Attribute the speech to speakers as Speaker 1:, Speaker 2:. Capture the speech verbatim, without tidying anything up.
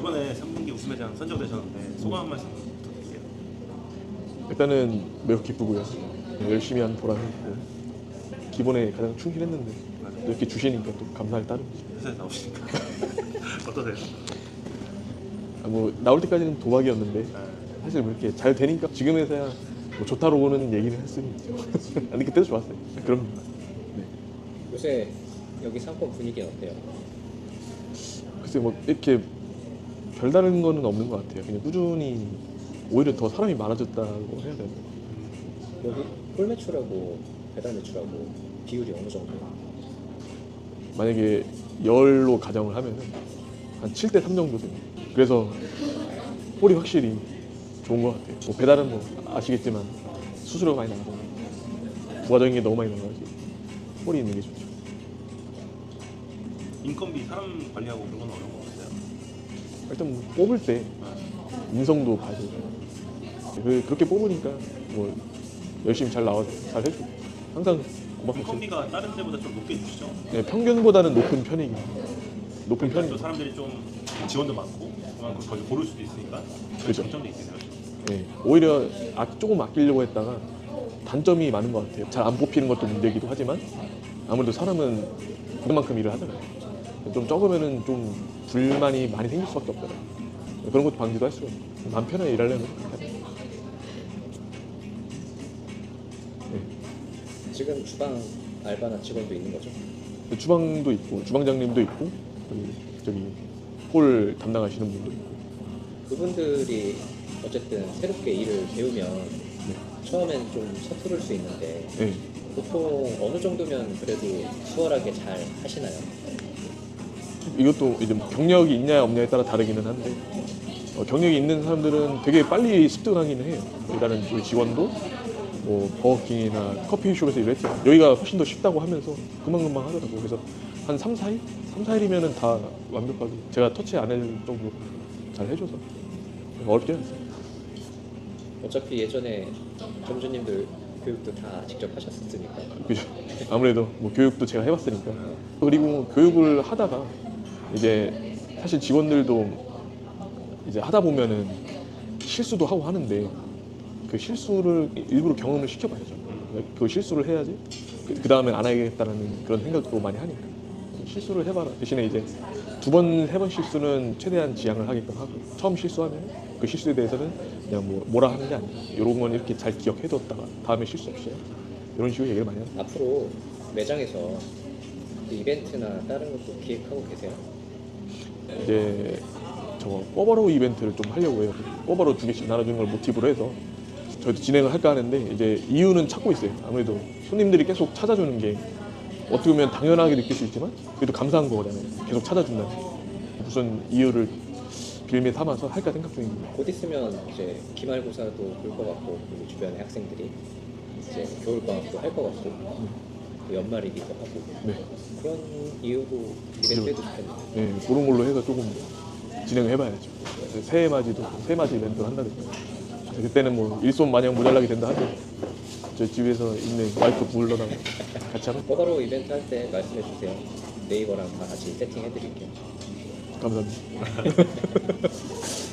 Speaker 1: 이번에 삼 분기 우승회장 선정되셨는데 소감 한 말씀 부탁드릴게요.
Speaker 2: 일단은 매우 기쁘고요. 열심히 한 보람이 있고 기본에 가장 충실했는데 이렇게 주시니까 또 감사할 따름이죠.
Speaker 1: 회사에 나오시니까 어떠세요?
Speaker 2: 아, 뭐 나올 때까지는 도박이었는데 사실 뭐 이렇게 잘 되니까 지금에서야 뭐 좋다로는 얘기를 할 수는 있죠. 근데 그때도 좋았어요. 그럼 네.
Speaker 3: 요새 여기 상권 분위기는 어때요?
Speaker 2: 글쎄 뭐 이렇게 별다른 거는 없는 것 같아요. 그냥 꾸준히 오히려 더 사람이 많아졌다고 해야 되나.
Speaker 3: 여기 홀 매출하고 배달 매출하고 비율이 어느 정도예요?
Speaker 2: 만약에 열로 가정을 하면은 한 칠 대 삼 정도 됩니다. 그래서 홀이 확실히 좋은 것 같아요. 뭐 배달은 뭐 아시겠지만 수수료가 많이 나가고 부가적인 게 너무 많이 나가지고 홀이 있는 게 좋죠.
Speaker 1: 인건비 사람 관리하고 그런 건 어려운 것 같아요.
Speaker 2: 일단 뭐 뽑을 때 인성도 봐야 되고 그- 그렇게 뽑으니까 뭐 열심히 잘 나와서 잘 해주고 항상 고맙죠.
Speaker 1: 인건비가 다른 데보다 좀 높게 주시죠?
Speaker 2: 네, 평균보다는 높은 편이긴 해요. 높은
Speaker 1: 그러니까 또
Speaker 2: 편이죠.
Speaker 1: 사람들이 좀 지원도 많고 그만큼 더 고를 수도 있으니까
Speaker 2: 그죠.
Speaker 1: 장점도 있겠네요.
Speaker 2: 네, 오히려 아, 조금 아끼려고 했다가 단점이 많은 것 같아요. 잘 안 뽑히는 것도 문제이기도 하지만 아무래도 사람은 그만큼 일을 하잖아요. 좀 적으면은 좀 불만이 많이 생길 수밖에 없잖아요. 그런 것도 방지도 할 수가 있고 마음 편하게 일하려면 그렇게 하죠. 네.
Speaker 3: 지금 주방 알바나 직원도 있는 거죠?
Speaker 2: 주방도 있고 주방장님도 있고 그리고 저기 홀 담당하시는 분도 있고
Speaker 3: 그분들이 어쨌든 새롭게 일을 배우면 처음엔 좀 서투를 수 있는데
Speaker 2: 네.
Speaker 3: 보통 어느 정도면 그래도 수월하게 잘 하시나요?
Speaker 2: 이것도 이제 뭐 경력이 있냐 없냐에 따라 다르기는 한데 어, 경력이 있는 사람들은 되게 빨리 습득하기는 해요. 일단은 우리 직원도 뭐 버거킹이나 커피숍에서 일했지만 여기가 훨씬 더 쉽다고 하면서 금방금방 하더라고요. 그래서 한 삼, 사 일? 삼, 사 일이면은 다 완벽하게 제가 터치 안 할 정도로 잘 해줘서 어렵지 않았어요.
Speaker 3: 어차피 예전에 점주님들 교육도 다 직접 하셨으니까
Speaker 2: 그죠. 아무래도 뭐 교육도 제가 해봤으니까. 그리고 교육을 하다가 이제 사실 직원들도 이제 하다 보면은 실수도 하고 하는데 그 실수를 일부러 경험을 시켜봐야죠. 그 실수를 해야지 그 다음엔 안 하겠다라는 그런 생각도 많이 하니까 실수를 해봐라. 대신에 이제 두 번, 세 번 실수는 최대한 지양을 하게끔 하고 처음 실수하면 그 실수에 대해서는 그냥 뭐 뭐라 하는 게 아니라 이런 건 이렇게 잘 기억해뒀다가 다음에 실수 없어요. 이런 식으로 얘기를 많이 합니다.
Speaker 3: 앞으로 매장에서 그 이벤트나 다른 것도 기획하고 계세요?
Speaker 2: 이제 저거 꼬바로우 이벤트를 좀 하려고 해요. 꼬바로우 두 개씩 나눠주는 걸 모티브로 해서 저희도 진행을 할까 하는데 이제 이유는 찾고 있어요. 아무래도 손님들이 계속 찾아주는 게 어떻게 보면 당연하게 느낄 수 있지만 그래도 감사한 거잖아요. 계속 찾아준다는 무슨 이유를 빌미 삼아서 할까 생각 중입니다.
Speaker 3: 곧 있으면 이제 기말고사도 볼 것 같고 그리고 주변의 학생들이 이제 겨울방학도 할 것 같고 또 연말이기도 하고
Speaker 2: 네,
Speaker 3: 그런 이유로 이벤트 해도 좋겠네요.
Speaker 2: 네, 그런 걸로 해서 조금 진행을 해봐야죠. 새해 맞이도 새해 맞이 이벤트를 한다든가. 그때는 뭐 일손 마냥 모자라게 된다 하죠. 저 집에서 있는 와이프 불러다가 같이 하면
Speaker 3: 꼬바로우 이벤트 할 때 말씀해 주세요. 네이버랑 다 같이 세팅해 드릴게요.
Speaker 2: 감사합니다.